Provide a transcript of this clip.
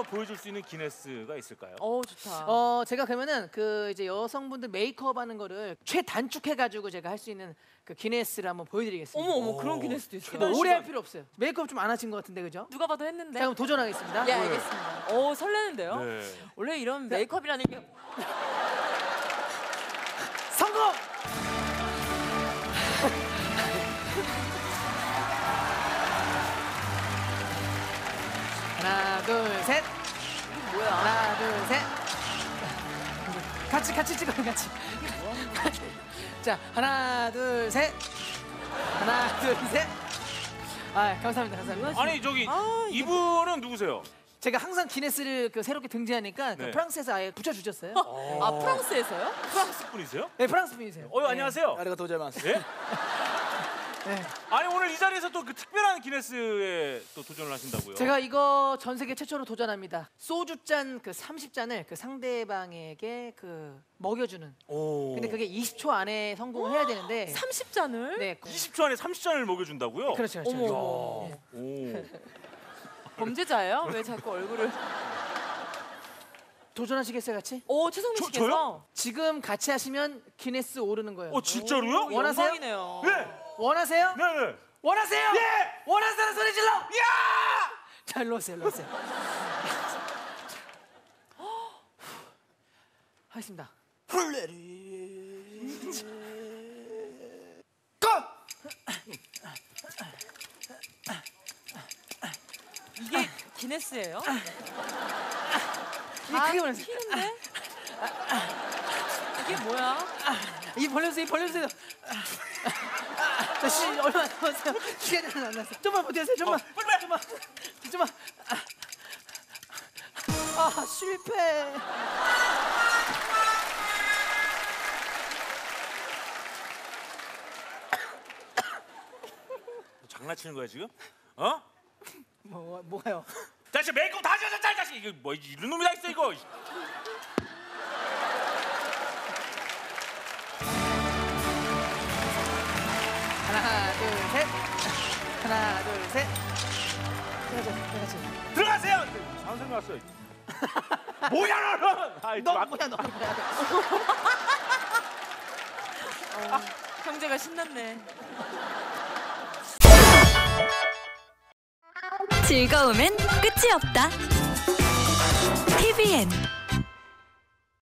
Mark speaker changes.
Speaker 1: 보여줄 수 있는 기네스가 있을까요?
Speaker 2: 좋다. 제가 그러면은 그 이제 여성분들 메이크업하는 거를 최단축해가지고 제가 할 수 있는 그 기네스를 한번 보여드리겠습니다.
Speaker 3: 어머 그런 기네스도 있어요.
Speaker 2: 오래 할 필요 없어요. 메이크업 좀 안 하신 것 같은데 그죠?
Speaker 3: 누가 봐도 했는데.
Speaker 2: 자, 그럼 도전하겠습니다.
Speaker 3: 예, 알겠습니다. 설레는데요?
Speaker 1: 네.
Speaker 3: 원래 이런 메이크업이라는 게
Speaker 2: 성공! 하나, 둘, 셋.
Speaker 3: 뭐야?
Speaker 2: 하나, 둘, 셋. 같이 찍어요, 같이. 자, 하나, 둘, 셋. 하나, 둘, 셋. 아, 감사합니다.
Speaker 1: 아니 저기 이분은 누구세요?
Speaker 2: 제가 항상 기네스를 그 새롭게 등재하니까 그
Speaker 1: 네.
Speaker 2: 프랑스에서 아예 붙여주셨어요.
Speaker 3: 프랑스에서요?
Speaker 1: 프랑스 분이세요?
Speaker 2: 네, 프랑스 분이세요.
Speaker 1: 안녕하세요.
Speaker 4: 아리가토 고자이마스.
Speaker 1: 예?
Speaker 2: 네.
Speaker 1: 아니 오늘 이 자리에서 또 그 특별한 기네스에 또 도전을 하신다고요?
Speaker 2: 제가 이거 전 세계 최초로 도전합니다. 소주잔 그 30잔을 그 상대방에게 그 먹여주는. 근데 그게 20초 안에 성공을 해야 되는데
Speaker 3: 30잔을?
Speaker 2: 네.
Speaker 1: 20초 안에 30잔을 먹여준다고요?
Speaker 2: 그렇죠.
Speaker 3: 어머.
Speaker 1: 오.
Speaker 3: 범죄자예요? 왜 자꾸 얼굴을?
Speaker 2: 도전하시겠어요, 같이?
Speaker 3: 최성민 씨께서?
Speaker 1: 저요?
Speaker 2: 지금 같이 하시면 기네스 오르는 거예요.
Speaker 1: 진짜로요?
Speaker 2: 원하세요?
Speaker 3: 영광이네요.
Speaker 1: 네.
Speaker 2: 원하세요?
Speaker 1: 네네.
Speaker 2: 원하세요?
Speaker 1: 예!
Speaker 2: 원하는 소리 질러!
Speaker 1: 야!
Speaker 2: 자, 일로 오세요, 일로 오세요. 하겠습니다.
Speaker 3: 이게 기네스예요?
Speaker 2: 이게 크게 원하세요.
Speaker 3: 튀는데? 이게 뭐야?
Speaker 2: 입 벌려주세요. 자, 얼마 안 남았어요. 시간이 안 남았어요. 좀만 버텨주세요, 좀만. 좀만. 실패.
Speaker 1: 장난치는 거야 지금?
Speaker 2: 뭐가요?
Speaker 1: 자식 메이크업 다 하셨잖아 자식. 이게 뭐 이런 놈이 다 있어 이거.
Speaker 2: 하나, 둘, 셋. 하나, 둘, 셋. 같이.
Speaker 1: 들어가세요. 잘못 생각났어요. 뭐야 너는?
Speaker 2: 너 뭐야.
Speaker 3: 형제가 신났네.
Speaker 5: 즐거움엔 끝이 없다. TVN